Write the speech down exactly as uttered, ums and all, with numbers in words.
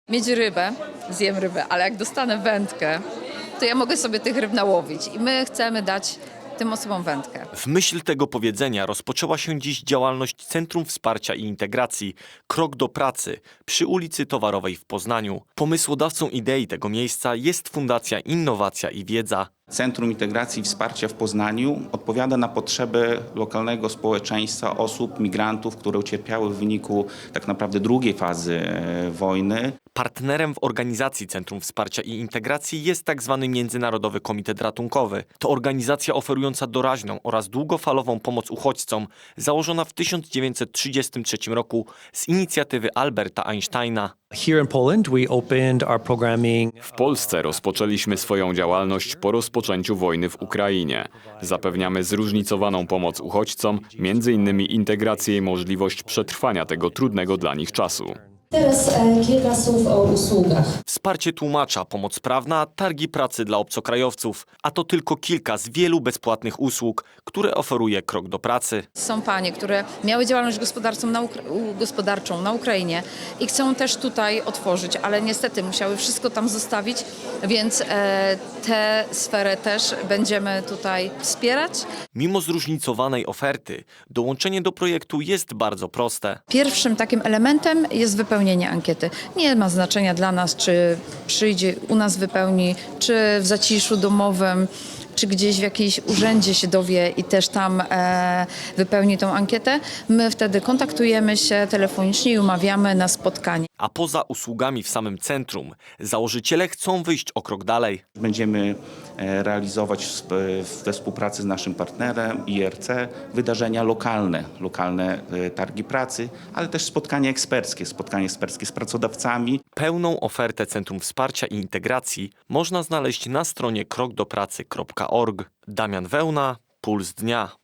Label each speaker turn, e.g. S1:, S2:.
S1: Mieć rybę, zjem rybę, ale jak dostanę wędkę, to ja mogę sobie tych ryb nałowić i my chcemy dać tym osobom wędkę.
S2: W myśl tego powiedzenia rozpoczęła się dziś działalność Centrum Wsparcia i Integracji Krok do Pracy przy ulicy Towarowej w Poznaniu. Pomysłodawcą idei tego miejsca jest Fundacja Innowacja i Wiedza.
S3: Centrum Integracji i Wsparcia w Poznaniu odpowiada na potrzeby lokalnego społeczeństwa, osób, migrantów, które ucierpiały w wyniku tak naprawdę drugiej fazy e, wojny.
S2: Partnerem w organizacji Centrum Wsparcia i Integracji jest tzw. Międzynarodowy Komitet Ratunkowy. To organizacja oferująca doraźną oraz długofalową pomoc uchodźcom, założona w tysiąc dziewięćset trzydziestym trzecim roku z inicjatywy Alberta Einsteina.
S4: Here in Poland we opened our programming.
S5: W Polsce rozpoczęliśmy swoją działalność po rozpoczęciu wojny w Ukrainie. Zapewniamy zróżnicowaną pomoc uchodźcom, między innymi integrację i możliwość przetrwania tego trudnego dla nich czasu.
S6: Teraz e, kilka słów o usługach.
S2: Wsparcie tłumacza, pomoc prawna, targi pracy dla obcokrajowców. A to tylko kilka z wielu bezpłatnych usług, które oferuje Krok do Pracy.
S1: Są panie, które miały działalność gospodarczą na, Ukra- gospodarczą na Ukrainie i chcą też tutaj otworzyć, ale niestety musiały wszystko tam zostawić, więc e, tę sferę też będziemy tutaj wspierać.
S2: Mimo zróżnicowanej oferty, dołączenie do projektu jest bardzo proste.
S1: Pierwszym takim elementem jest wypełnienie ankiety. Nie ma znaczenia dla nas, czy przyjdzie u nas wypełni, czy w zaciszu domowym, czy gdzieś w jakimś urzędzie się dowie i też tam e, wypełni tą ankietę. My wtedy kontaktujemy się telefonicznie i umawiamy na spotkanie.
S2: A poza usługami w samym centrum, założyciele chcą wyjść o krok dalej.
S3: Będziemy e, realizować w- we współpracy z naszym partnerem I R C wydarzenia lokalne, lokalne e, targi pracy, ale też spotkania eksperckie, spotkania eksperckie z pracodawcami.
S2: Pełną ofertę Centrum Wsparcia i Integracji można znaleźć na stronie krok do pracy kropka org. Damian Wełna, Puls Dnia.